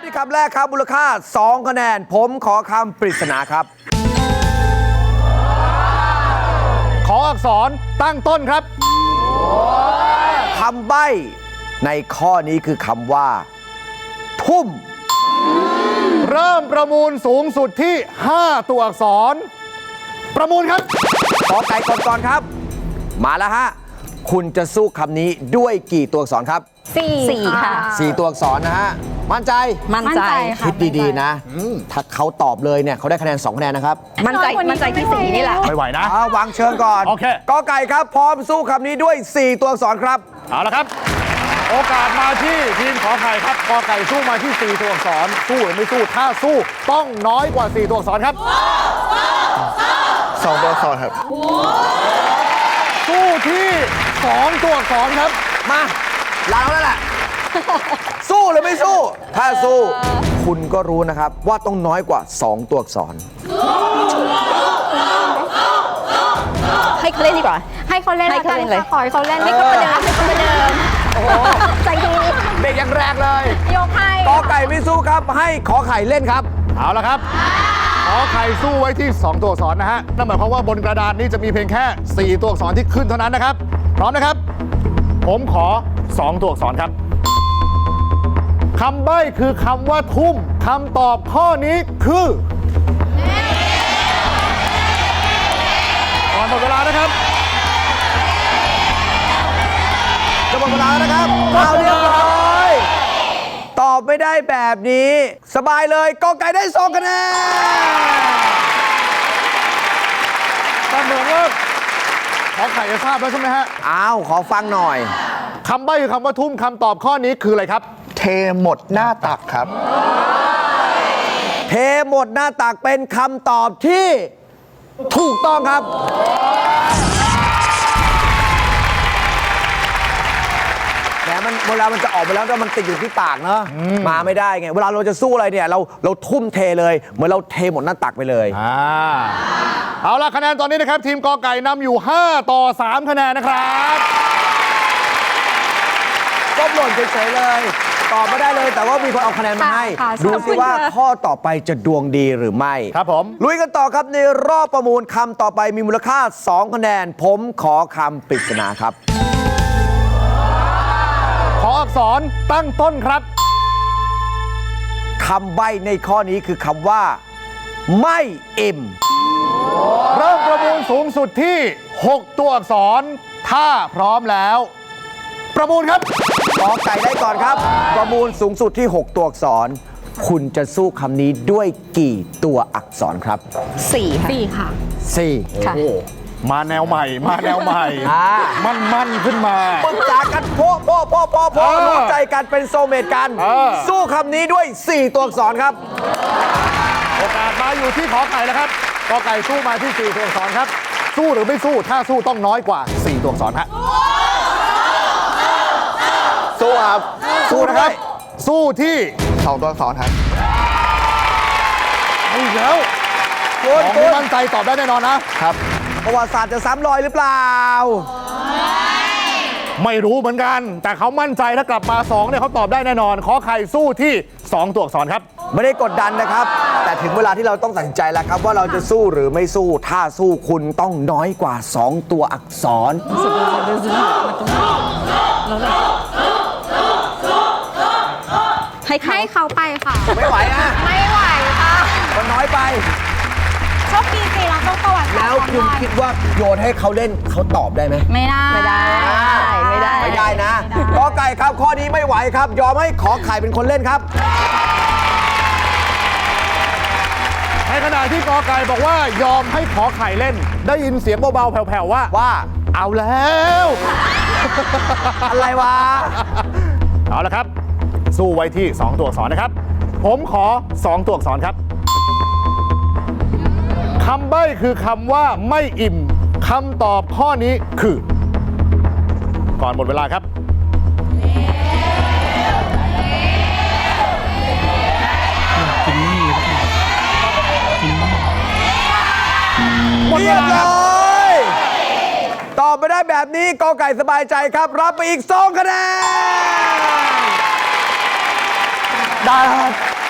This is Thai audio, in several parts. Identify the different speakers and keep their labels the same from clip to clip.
Speaker 1: ที่คำแรกครับมูลค่า2 คะแนนผมขอคำปริศนาครับ
Speaker 2: ขออักษรตั้งต้นครับ
Speaker 1: คำใบ้ในข้อนี้คือคำว่า ทุ่ม
Speaker 2: เริ่มประมูลสูงสุดที่5ตัวอักษรประมูลครับ
Speaker 1: ขอไก่ก่อนครับมาแล้วฮะคุณจะสู้คำนี้ด้วยกี่ตัวอักษรครับ
Speaker 3: 4 ค่ะ
Speaker 1: 4 ตัวอักษรนะฮะมั่นใจคิดดีๆนะถ้าเขาตอบเลยเนี่ยเขาได้คะแนน2 คะแนนนะครับ
Speaker 3: มั่นใจที่4นี่แหละ
Speaker 2: ไม่ไหวนะ
Speaker 1: วางเชิญก่อน
Speaker 2: โอเค
Speaker 1: กอไก่ครับพร้อมสู้คำนี้ด้วย4 ตัวอักษรครับ
Speaker 2: เอาละครับโอกาสมาที่ทีมขอไข่ครับกอไก่สู้มาที่4ตัวอักษรสู้หรือไม่สู้ถ้าสู้ต้องน้อยกว่า4ตัวอักษรครับ
Speaker 4: 2 ตัวอักษรครับ
Speaker 2: สู้ที่2ตัวอักษรครับ
Speaker 1: มาเราแล้วแหละสู้หรือไม่สู้ถ้าสู้คุณก็รู้นะครับว่าต้องน้อยกว่า2 ตัวอักษร
Speaker 3: ให้เขาเล่นดีกว่า
Speaker 5: ให้เขาเล่นเลยขอให้เขาเล่น
Speaker 3: ให้เขาประเดิมโอ้โหใจดี
Speaker 1: เด็กยังแรงเลย
Speaker 5: ยกให้
Speaker 1: กอไก่ไม่สู้ครับให้ขอไข่เล่นครับ
Speaker 2: เอาละครับขอไข่สู้ไว้ที่2ตัวอักษรนะฮะนั่นหมายความว่าบนกระดานนี้จะมีเพียงแค่4ตัวอักษรที่ขึ้นเท่านั้นนะครับพร้อมนะครับผมขอ2ตัวอักษรครับคำใบ้คือคำว่าทุ่มคำตอบข้อนี้คือก่อนหมดเวลานะครับ
Speaker 1: จะหมดเวลาแล้วนะครับเอาเรียบร้อยตอบไม่ได้แบบนี้สบายเลยกอไก่ได้2 คะแนน
Speaker 2: แต่เหมือนว่าขอไข่จะทราบแล้วใช่ไหมฮะ
Speaker 1: อ้าวขอฟังหน่อย
Speaker 2: คำใบ้คือคำว่าทุ่มคำตอบข้อนี้คืออะไรครับ
Speaker 4: เทหมดหน้าตักครับ
Speaker 1: เทหมดหน้าตักเป็นคำตอบที่ถูกต้องครับแต่เวลามันจะออกไปแล้วแต่มันติดอยู่ที่ปากเนอะมาไม่ได้ไงเวลาเราจะสู้อะไรเนี่ยเราทุ่มเทเลยเหมือนเราเทหมดหน้าตักไปเลย
Speaker 2: เอาล่ะคะแนนตอนนี้นะครับทีมกอไก่นำอยู่5 ต่อ 3 คะแนนนะครับ
Speaker 1: ก็หล่นเฉยๆเลยตอบไม่ได้เลยแต่ว่ามีคนเอาคะแนนมาให้ดูสิว่าข้อต่อไปจะดวงดีหรือไม่
Speaker 2: ครับผม
Speaker 1: ลุยกันต่อครับในรอบประมูลคำต่อไปมีมูลค่า2 คะแนนผมขอคำปริศนาครับ
Speaker 2: ขออักษรตั้งต้นครับ
Speaker 1: คำใบ้ในข้อนี้คือคำว่าไม่อิ่ม
Speaker 2: เริ่มประมูลสูงสุดที่6 ตัวอักษรถ้าพร้อมแล้วประมูลครับ
Speaker 1: กอไก่ได้ก่อนครับประมูลสูงสุดที่6 ตัวอักษรคุณจะสู้คำนี้ด้วยกี่ตัวอักษรครับ
Speaker 3: 4 ค่ะ
Speaker 1: 4
Speaker 3: ค่ะ
Speaker 2: มาแนวใหม่มั่นขึ้นมา
Speaker 1: ปรึกษากันพ่อรู้ใจกันเป็นโซเมตกันสู้คำนี้ด้วย4 ตัวอักษรครับ
Speaker 2: โอกาสมาอยู่ที่ขอไก่แล้วครับกอไก่สู้มาที่4 ตัวอักษรครับสู้หรือไม่สู้ถ้าสู้ต้องน้อยกว่า4 ตัวอักษรฮะ
Speaker 1: สู้ครับ
Speaker 2: สู้นะครับสู้ที่
Speaker 4: 2 ตัวอักษรครับ
Speaker 2: ไม่แล้วคุณมั่นใจตอบได้แน่นอนนะครับ
Speaker 1: ประวัติศาสตร์จะซ้ำรอยหรือเปล่า
Speaker 2: ไม่รู้เหมือนกันแต่เขามั่นใจถ้ากลับมา2เนี่ยเขาตอบได้แน่นอนขอไข่สู้ที่2 ตัวอักษรครับ
Speaker 1: ไม่ได้กดดันนะครับแต่ถึงเวลาที่เราต้องตัดสินใจแล้วครับว่าเราจะสู้หรือไม่สู้ถ้าสู้คุณต้องน้อยกว่า2 ตัวอักษร
Speaker 5: ให้เขาไปค่ะ
Speaker 1: ไม่ไหว
Speaker 5: ไม่ไหวค่ะ
Speaker 1: มันน้อยไป
Speaker 5: โชคดีสิเราต้องประวัติ
Speaker 1: แล้วคุณคิดว่าโยนให้เขาเล่นเขาตอบได้ไหม
Speaker 5: ไม่
Speaker 1: ได้นะกอไก่ครับข้อนี้ไม่ไหวครับยอมให้ขอไข่เป็นคนเล่นครับ
Speaker 2: ในขณะที่กอไก่บอกว่ายอมให้ขอไข่เล่นได้ยินเสียงเบาๆแผ่วๆว่าเอาแล้ว
Speaker 1: อะไรวะ
Speaker 2: เอาละครับสู้ไว้ที่2 ตัวอักษรนะครับผมขอ2 ตัวอักษรครับคำใบ้คือคำว่าไม่อิ่มคำตอบข้อนี้คือก่อนหมดเวลาครับ
Speaker 1: หมดเวลาเลยตอบไม่ได้แบบนี้กอไก่สบายใจครับรับไปอีก2 คะแนนได้ครับ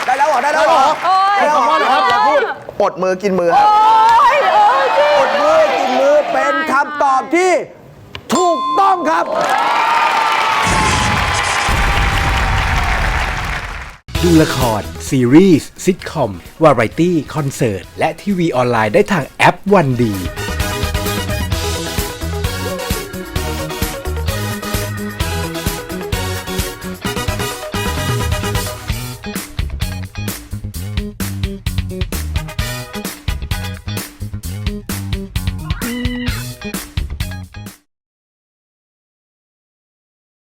Speaker 1: ได้แล้วเหรอได้แล้วเหรอ
Speaker 2: ใช้คำว่าอะไรครับ
Speaker 1: อย่าพูด
Speaker 4: อดมือกินมือครับ
Speaker 1: อดมือกินมือเป็นคำตอบที่ถูกต้องครับ
Speaker 6: ดูละคร ซีรีส์ซิทคอม วาไรตี้ คอนเสิร์ต และทีวีออนไลน์ได้ทางแอปวันดี